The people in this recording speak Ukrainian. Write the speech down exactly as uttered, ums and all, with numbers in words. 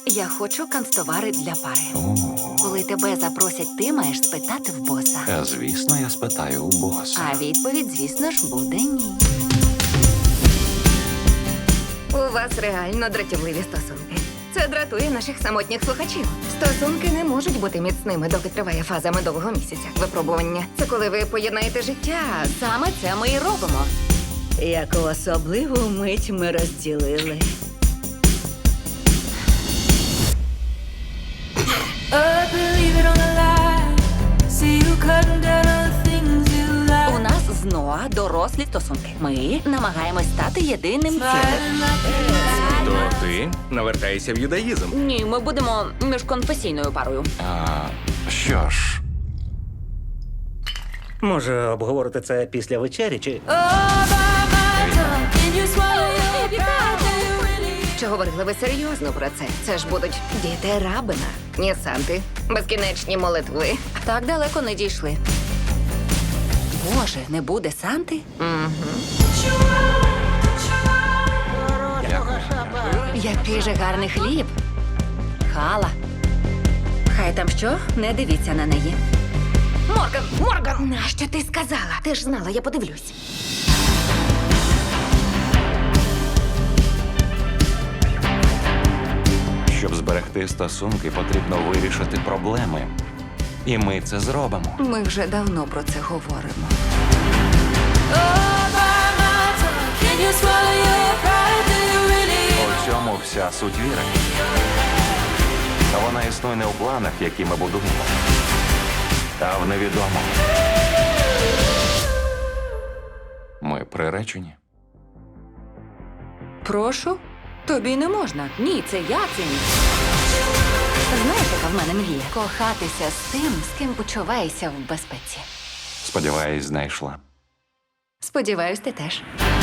Я хочу канцтовари для пари. О, Коли тебе запросять, ти маєш спитати в боса. е, звісно, я спитаю у боса. А відповідь, звісно ж, буде ні. У вас реально дратівливі стосунки. Це дратує наших самотніх слухачів. Стосунки не можуть бути міцними, доки триває фаза медового місяця. Випробування. Це коли ви поєднаєте життя. Саме це ми і робимо. Яку особливу мить ми розділили. Oh, believe it or not, see you cutting down on the things you like. У нас з Ноа дорослі стосунки. Ми намагаємось стати єдиним цілим. Riding like a То ти навертаєшся в юдаїзм. Ні, ми будемо міжконфесійною парою. А, що ж, Може, обговорити це після вечері чи. Oh, by my tongue, can you swallow your pride? Do you really? Чи говорили ви серйозно про це? Це ж будуть діти Рабина, ні Санти, безкінечні молитви. Так далеко не дійшли. Боже, не буде Санти? Який же гарний хліб. Хала. Хай там що, не дивіться на неї. Морган, Морган! Нащо ти сказала? Ти ж знала, я подивлюсь. щоб зберегти стосунки, потрібно вирішити проблеми. І ми це зробимо. Ми вже давно про це говоримо. Oh, by my tongue, can you swallow your pride? Do you really? У цьому вся суть віри. Та вона існує не у планах, які ми будуємо, а в невідомому. Ми приречені. Прошу? Тобі не можна. Ні, це я ціню. Знаєш, яка в мене мрія? Кохатися з тим, з ким почуваєшся в безпеці. Сподіваюсь, знайшла. Сподіваюсь, ти теж.